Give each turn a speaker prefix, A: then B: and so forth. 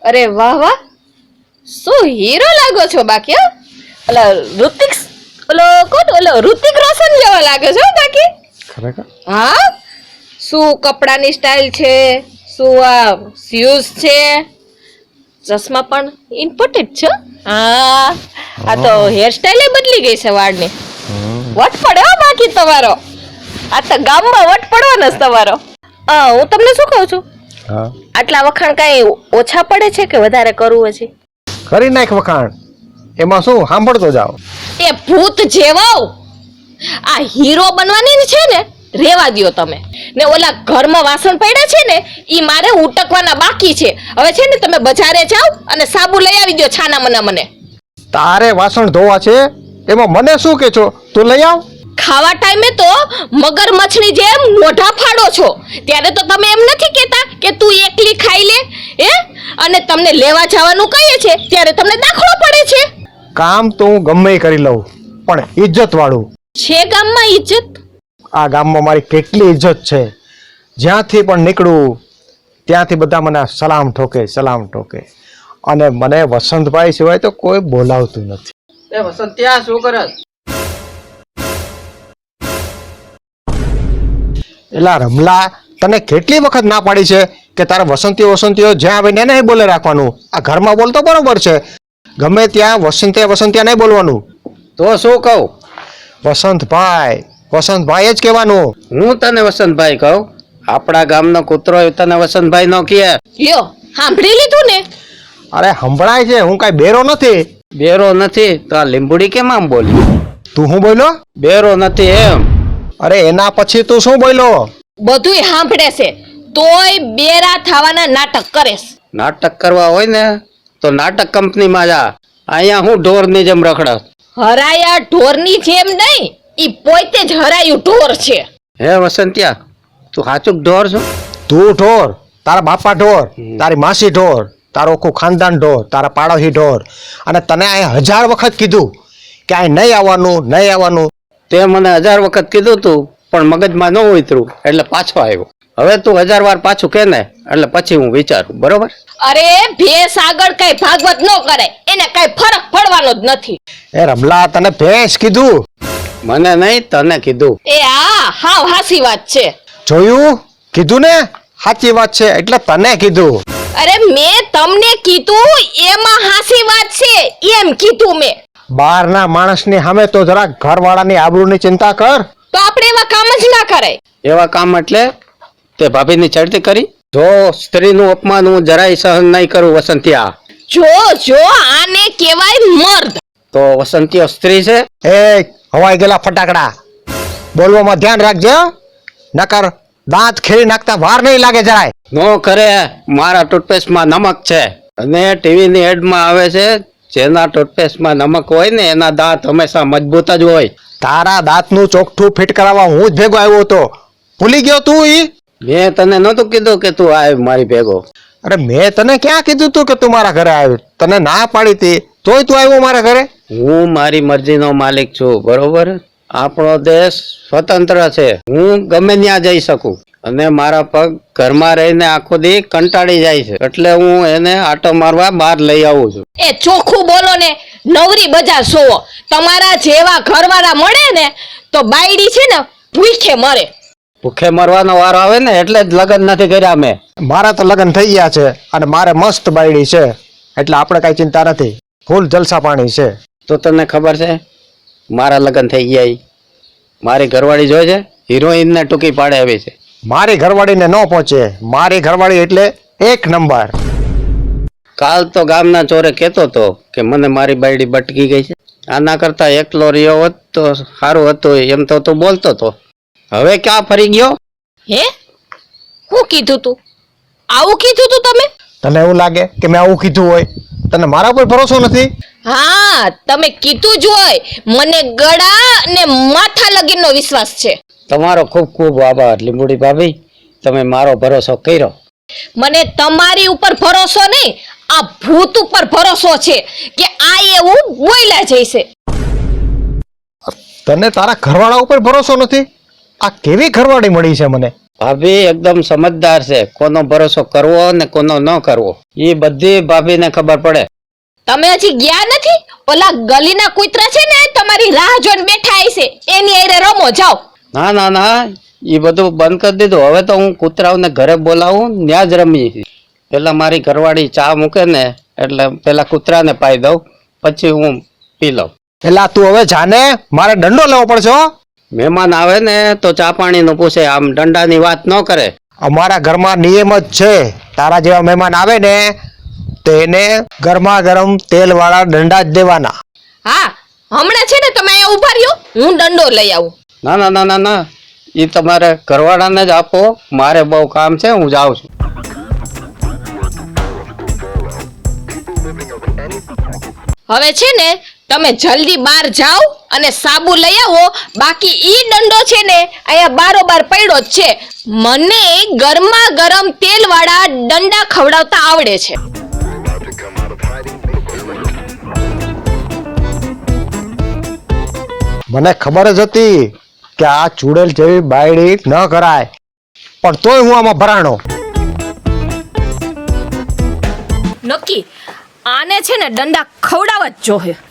A: અરે વાહ વાહ, શું હીરો લાગો છો બાકી. ઓલો ઋતિક, ઓલો કોણ, ઓલો ઋતિક રોશન જેવો લાગે છો બાકી.
B: ખરેખર?
A: હા, શું કપડાની સ્ટાઇલ છે, શું આ શૂઝ છે, ચશ્મા પણ ઇમ્પોર્ટેન્ટ છે. હા, આ તો હેરસ્ટાઇલ બદલી ગઈ છે વાળની. વટ પડે હો બાકી તમારો. આ તો ગામમાં વટ પડવાનો જ તમારો. હું તમને શું કહું છું,
B: હા,
A: આટલા વખાણ કઈ ઓછા પડે છે કે વધારે કરવું હજી?
B: કરી નાખ વખાણ. એમાં શું, સાંભળતો જાઓ.
A: એ ભૂત જેવો આ હીરો બનવાની છે ને, રેવા દ્યો તમે. ને ઓલા ઘરમાં વાસણ પડ્યા છે ને, ઈ મારે ઉટકવાના બાકી છે. હવે છે ને તમે બજારે જાઓ અને સાબુ લઈ આવી દો છાના મના મને.
B: તારે વાસણ ધોવા છે, એમાં મને શું કે છો? તું લઈ આવ.
A: ખાવા ટાઈમે તો મગરમચ્છની જેમ મોઢા ફાડો છો, ત્યારે તો તમે એમ નથી કહેતા કે તું એકલી ખાઈ લે હે? અને તમને લેવા જવાનું કહીએ છે ત્યારે તમને દાખલો પડે છે.
B: કામ તો હું ગમે એ કરી લઉં, પણ ઇજ્જત વાળું.
A: છે ગામમાં ઇજ્જત?
B: આ ગામમાં મારી કેટલી ઇજ્જત છે. જ્યાંથી પણ નીકળું ત્યાંથી બધા મને સલામ ઠોકે, સલામ ઠોકે. અને મને વસંતભાઈ સિવાય તો કોઈ બોલાવતું નથી.
C: એ વસંત ત્યાં શું કરે?
B: એલા રમલા, તને કેટલી વખત ના પાડી છે કે તારે વસંતીઓ જ્યાં આવે ને નહીં બોલે રાખવાનું. આ ઘરમાં બોલતો બરોબર છે, ગમે ત્યાં વસંતિયા નહીં બોલવાનું.
C: તો શું કહું?
B: વસંતભાઈ જ કહેવાનું.
C: હું તને વસંતભાઈ કહું? આપણા ગામનો કૂતરો તને વસંતભાઈ નો કહે?
A: લ્યો, સાંભળી લીધું ને?
B: અરે સંભળાય છે, હું કઈ બેરો નથી.
C: બેરો નથી તો આ લીંબુડી કેમ આમ બોલી?
B: તું શું બોલ્યો?
C: બેરો નથી એમ.
B: અરે એના પછી તું શું બોલ્યો?
A: બધુંય સાંભળે છે, તોય બેરા થવાના નાટક કરેસ.
C: નાટક કરવા હોય ને તો નાટક કંપનીમાં જા. અહીંયા હું ઢોરની જેમ રખડસ.
A: હરાયા ઢોરની જેમ નહીં, ઈ પોતે જ હરાયું ઢોર છે.
C: હે વસંતિયા, તું સાચું ઢોર છો?
B: તું ઢોર, તારા બાપા ઢોર, તારી માસી ઢોર, તારો આખું ખાનદાન ઢોર, તારા પાડોશી ઢોર. અને તને અહીં 1000 વખત કીધું કે અહીં નહીં આવવાનું.
C: તે મને 1000 વખત કીધું તું, પણ મગજમાં ન ઉતર્યું એટલે પાછો આવ્યો. હવે તું 1000 વાર પાછું કે ને એટલે પછી હું વિચારું, બરોબર?
A: અરે ભેંસ આગળ કઈ ભાગવત ન કરે, એને કઈ ફરક પડવાનો જ નથી.
B: એ રમલા, તને ભેંસ કીધું?
C: મને નહીં, તને કીધું.
A: એ હાવ હાસી વાત છે.
B: જોયું? કીધું ને, સાચી વાત છે એટલે તને કીધું.
A: અરે મેં તમને કીધું એમાં હાસી વાત છે એમ કીધું મેં.
B: બહારના માણસની સામે તો જરા ઘરવાળાની આબરૂની ચિંતા કર.
A: તો આપણે એવા કામ જ ના કરાય.
C: એવા કામ એટલે તે ભાભીની ચડતી કરી? જો સ્ત્રીનું અપમાન હું જરાય સહન નહીં કરું વસંતિયા.
A: જો આને કહેવાય મર્દ.
C: તો વસંતિયો સ્ત્રી છે?
B: એ હવાઈ ગયેલા ફટાકડા, બોલવામાં ધ્યાન રાખજે. નકર દાંત ખેરી નાખતા વાર નહીં લાગે જરાય.
C: નો કરે, મારા ટૂથપેસ્ટમાં નમક છે. અને ટીવીની એડમાં આવે છે, જેના ટૂથપેસ્ટમાં નમક હોય ને એના દાંત હંમેશા મજબૂત જ હોય.
B: તારા દાંતનું ચોકઠું ફિટ કરાવવા હું જ ભેગો આવ્યો હતો. ભૂલી ગયો તું?
C: મેં તને નહોતું કીધું કે તું આવ મારી ભેગો?
B: અરે મેં તને ક્યાં કીધું તું કે તું મારા ઘરે આવ્યો? તને ના પાડી હતી તોય તું આવ્યો મારા ઘરે.
C: હું મારી મરજીનો માલિક છું, બરોબર? આપણો દેશ સ્વતંત્ર છે, હું ગમે ત્યાં જઈ શકું. અને મારા પગ ઘરમાં રહીને આખો દી કંટાળી જાય છે, એટલે હું એને આટો મારવા બહાર લઈ આવું છું.
A: એ ચોખ્ખું બોલો ને, નવરી બજાર સોવો. તમારા જેવા ઘરવાળા મળે ને તો બાયડી છે ને ભૂખે મરે.
C: ભૂખે મરવાનો વારો આવે ને એટલે જ લગ્ન નથી કર્યા મેં.
B: મારા તો લગ્ન થઈ ગયા છે અને મારે મસ્ત બાયડી છે, એટલે આપણે કઈ ચિંતા નથી. ફૂલ જલસા પાણી છે.
C: તો તને ખબર છે મારા લગ્ન થઈ ગયા? મારી ઘરવાળી જોઈ છે, હિરોઈનને ટૂંકી પાડે આવી છે.
B: મારી ઘરવાળીને ન પહોંચે. મારી ઘરવાળી એટલે 1 નંબર.
C: કાલ તો ગામના ચોરે કહેતો હતો કે મને મારી બાયડી બટકી ગઈ છે. આના કરતા એકલો રહ્યો હોત તો સારું હતું, એમ તો તું બોલતો હતો. હવે ક્યાં ફરી ગયો?
A: હે, હું કીધું તું? આવું કીધું તું તમે?
B: તને એવું લાગે કે મેં આવું કીધું હોય? તને મારા પર ભરોસો નથી?
A: હા, તમે કીધું જ હોય. મને ગળા અને માથા લગીનનો વિશ્વાસ છે.
C: તમારો ખૂબ ખૂબ આભાર લીંબુડી ભાભી, તમે મારો ભરોસો કર્યો.
A: મને તમારી ઉપર ભરોસો નહીં, આ ભૂત ઉપર ભરોસો છે કે આ એવું બોલ્યા જઈશે.
B: તને તારા ઘરવાળા ઉપર ભરોસો નથી? આ કેવી ઘરવાળી મળી છે મને?
C: ભાભી એકદમ સમજદાર છે, કોનો ભરોસો કરવો ને કોનો ન કરવો એ બધી ભાભીને ખબર પડે.
A: તમે હજી ગયા નથી? ઓલા ગલીના કૂતરા છે ને તમારી રાહ જોઈને બેઠા હશે, એની હારે રમો જાઓ.
C: ના ના ના, એ બધું બંધ કરી દીધું. હવે તો હું કૂતરાઓને ઘરે બોલાવું, ત્યાં જ રમીએ. પેલા મારી ઘરવાળી ચા મૂકે ને એટલે પેલા કૂતરાને પાઈ દઉં, પછી હું પી લઉં.
B: એલા તું હવે જાને, મારે દંડો લેવો પડશે હો.
C: મહેમાન આવે ને તો ચા પાણીનું પૂછે, આમ દંડાની વાત ન કરે.
B: અમારા ઘરમાં નિયમ જ છે, તારા જેવા મહેમાન આવે ને તેને ગરમા ગરમ તેલ વાળા દંડા જ દેવાના.
A: હા, હમણાં છે ને તમે અહીંયા ઉભા રહ્યો, હું દંડો લઈ આવું.
C: ના ના ના ના ના, એ તમારે ઘરવાળાને જ આપો, મારે બહુ કામ છે, હું જાઉં છું.
A: હવે છે ને તમે જલ્દી બહાર જાઓ અને સાબુ લઈ આવો, બાકી ઈ દંડો છે ને અહીંયા બારોબાર પડ્યો જ છે. મને ગરમા ગરમ તેલ વાળા દંડા ખવડાવતા આવડે છે.
B: મને ખબર જ હતી કે આ ચૂડેલ જેવી બાયડી ન કરાય, પણ તોય હું આમાં ભરાણો.
A: નક્કી આને છે ને દંડા ખવડાવવા જ જોહે.